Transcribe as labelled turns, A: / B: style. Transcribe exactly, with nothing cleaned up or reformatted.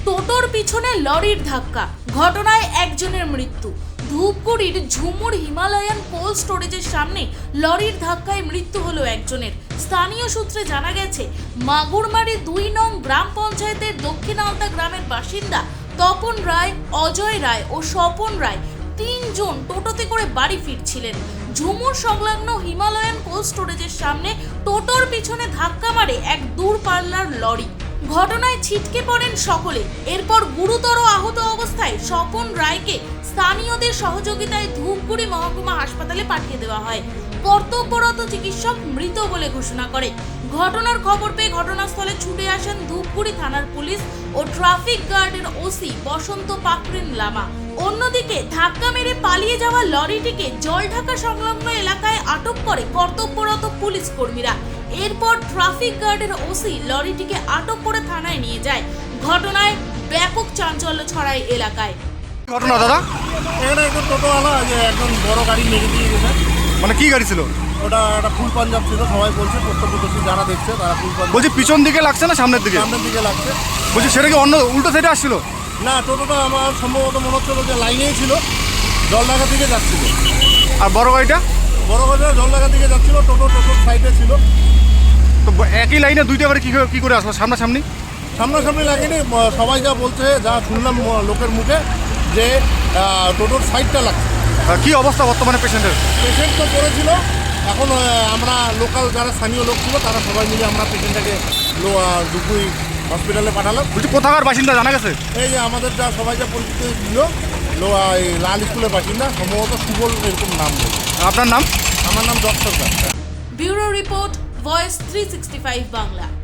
A: টোটোর পিছনে লরির ধাক্কা, ঘটনায় একজনের মৃত্যু। ধূপগুড়ির ঝুমুর হিমালয়ান কোল্ড স্টোরেজের সামনে লরির ধাক্কায় মৃত্যু হলো একজনের। স্থানীয় সূত্রে জানা গেছে, মাগুরমারি দুই নং গ্রাম পঞ্চায়েতের দক্ষিণ আলতা গ্রামের বাসিন্দা তপন রায়, অজয় রায় ও স্বপন রায় তিনজন টোটোতে করে বাড়ি ফিরছিলেন। ঝুমুর সংলগ্ন হিমালয়ান কোল্ড স্টোরেজের সামনে টোটোর পিছনে ধাক্কা মারে এক দূরপাল্লার লরি। ঘটনায় ছিটকে পড়েন সকলে। এরপর গুরুতর আহত অবস্থায় স্বপন রায়কে স্থানীয়দের সহযোগিতায় ধূপগুড়ি মহকুমা হাসপাতালে পাঠিয়ে দেওয়া হয়। কর্তব্যরত চিকিৎসক মৃত বলে ঘোষণা করে। ঘটনার খবর পেয়ে ঘটনাস্থলে ছুটে আসেন ধূপগুড়ি থানার পুলিশ ও ট্রাফিক গার্ডের ওসি বসন্ত পাকরিন লামা। অন্যদিকে ধাক্কা মেরে পালিয়ে যাওয়া লরিটিকে জলঢাকা সংলগ্ন এলাকায় আটক করে কর্তব্যরত পুলিশ কর্মীরা। এরপর ট্রাফিক গার্ডের ওসি লরিটিকে আটক করে থানায় নিয়ে যায়। ঘটনায় ব্যাপক চাঞ্চল্য ছড়ায় এলাকায়।
B: ঘটনা দাদা,
C: এখানে একজন টোটোওয়ালা যে একজন বড় গাড়ি মেরে দিয়ে গেছে।
B: মানে কি গাড়ি ছিল?
C: ওটা একটা ফুল পাঞ্জাব ছিল, সবাই বলছে, প্রত্যক্ষদর্শী যারা দেখছে তারা ফুল পাঞ্জাব।
B: বলছি পিছন দিকে লাগছে না সামনের দিকে?
C: সামনের দিকে লাগছে।
B: বলছি সেটা কি অন্য উল্টো সাইডে আসছিল?
C: না, টোটোটা আমার সম্ভবত মনে হচ্ছিল যে লাইনেই ছিল, জলঢাকা দিকে যাচ্ছিল।
B: আর বড় গাড়িটা?
C: বড় গাড়িটা জলঢাকা দিকে যাচ্ছিল, টোটো টোটোর সাইডে ছিল।
B: তো একই লাইনে দুইটা গাড়ি কি করে- কি করে আসলো সামনাসামনি?
C: সামনাসামনি লাগেনি, ম- সবাই যা বলছে, যা শুনলাম ম- লোকের মুখে, যে আহ, টোটোর সাইডটা লাগছে।
B: আহ, কি অবস্থা বর্তমানে পেশেন্টের?
C: পেশেন্ট তো পড়েছিল। এখন আহ, আমরা লোকাল যারা স্থানীয় লোক ছিল তারা সবাই মিলে আমরা পেশেন্টটাকে ধুপগুড়ি হসপিটালে পাঠালাম।
B: বলছি কোথাকার বাসিন্দা জানা গেছে?
C: এই যে আমাদের যা সবাই যা পরিচিত ছিল, লো- এই লাল স্কুলের বাসিন্দা, সম্ভবত সুবল এরকম নাম বলছে।
B: আপনার নাম?
C: আমার নাম doctor.
A: Bureau report, voice three sixty five Bangla.